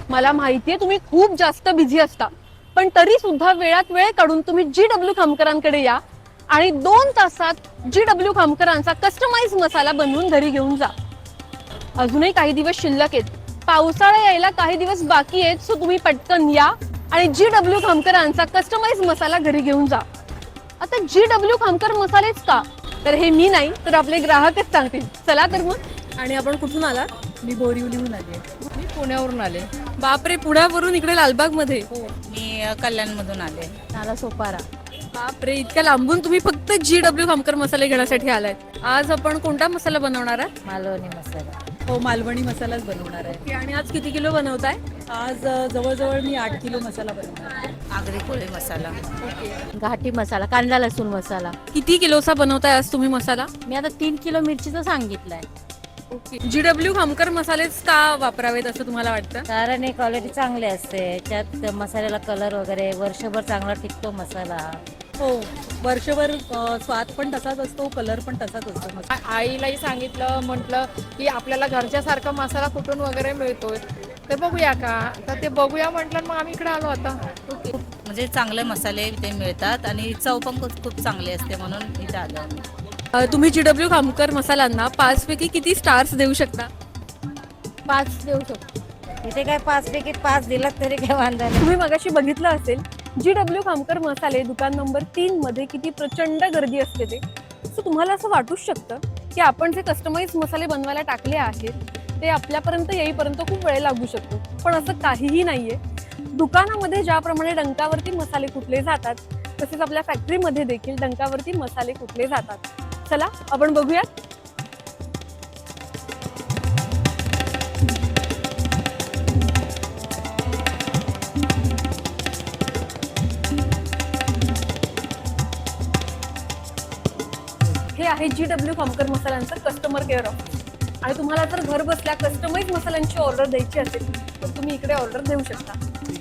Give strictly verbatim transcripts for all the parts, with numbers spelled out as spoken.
मला माहितीये तुम्ही खूप जास्त बिझी असता, पण तरी सुद्धा वेळात वेळ काढून तुम्ही जी डब्ल्यू खामकरांकडे या आणि दोन तासात जी डब्ल्यू खामकरांचा कस्टमाइज मसाला बनवून घरी घेऊन जा. अजूनही काही दिवस शिल्लक आहेत, पावसाळा यायला काही दिवस बाकी आहेत, सो तुम्ही पटकन या आणि जी डब्ल्यू खामकरांचा कस्टमाइज मसाला घरी घेऊन जा. आता जी डब्ल्यू खामकर मसालेच का, तर हे मी नाही तर आपले ग्राहकच सांगतील. चला तर मग. आणि आपण कुठून आला? मी बोरिवलीहून आले. मी पुण्यावरून आले. बापरे, पुण्यावरून इकडे लालबाग मध्ये? हो, मी कल्याणमधून आले. नाला सोपारा. बापरे, इतक्या लांबून तुम्ही फक्त जी डब्ल्यू खामकर मसाले घेण्यासाठी आलायत. आज आपण कोणता मसाला बनवणार आहात? मालवणी मसाला. हो, मालवणी मसालाच बनवणार आहे. आणि आज किती किलो बनवताय? आज अ, जवळजवळ मी आठ किलो मसाला बनवणार आहे. आगरी कोळी मसाला. घाटी मसाला, कांदा लसूण मसाला. किती किलोचा बनवताय आज तुम्ही मसाला? मी आता तीन किलो मिरचीचं सांगितलंय. जी डब्ल्यू खामकर मसालेच का वापरावेत असं तुम्हाला वाटतं? कारण हे क्वालिटी चांगली असते, त्यात मसाल्याला कलर वगैरे वर्षभर चांगला टिकतो मसाला. हो, वर्षभर अ, स्वाद पण तसाच असतो, कलर पण तसाच असतो मसाला. आ- आईलाही सांगितलं, म्हटलं की आपल्याला घरच्यासारखा मसाला कुठून वगैरे मिळतोय, ते बघूया का. तर ते बघूया म्हटलं, मग आम्ही इकडे आलो आता. म्हणजे चांगले मसाले इथे मिळतात आणि चव पण खूप खूप चांगली असते म्हणून इथे आलो आम्ही. अ, तुम्ही जी डब्ल्यू खामकर मसाल्यांना पाच पैकी किती स्टार्स देऊ शकता? पाच देऊ शकतो. इथे काय पाच पैकी पाच दिलात तरी काय वांधा नाही. तुम्ही मगाशी बघितलं असेल जी डब्ल्यू खामकर मसाले दुकान नंबर तीन मध्ये किती प्रचंड गर्दी असते ते. सो तुम्हाला असं वाटूच शकतं की आपण जे कस्टमाइज मसाले बनवायला टाकले आहेत ते आपल्यापर्यंत येईपर्यंत खूप वेळ लागू शकतो, पण असं काहीही नाहीये. दुकानामध्ये ज्याप्रमाणे डंकावरती मसाले कुटले जातात, तसेच आपल्या फॅक्टरीमध्ये देखील डंकावरती मसाले कुटले जातात. चला आपण बघूयात. हे आहे जी डब्ल्यू खामकर मसाल्यांचं कस्टमर केअर ऑफिस. आणि तुम्हाला जर घर बसल्या कस्टमाइज मसाल्यांची ऑर्डर द्यायची असेल तर तुम्ही इकडे ऑर्डर देऊ शकता.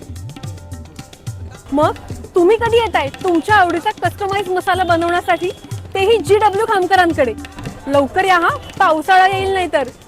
मग तुम्ही कधी येताय तुमच्या आवडीचा कस्टमाइज मसाला बनवण्यासाठी, तेही जी डब्ल्यू खामकरांकडे? लवकर या हा, पावसाळा येईल नाही तर.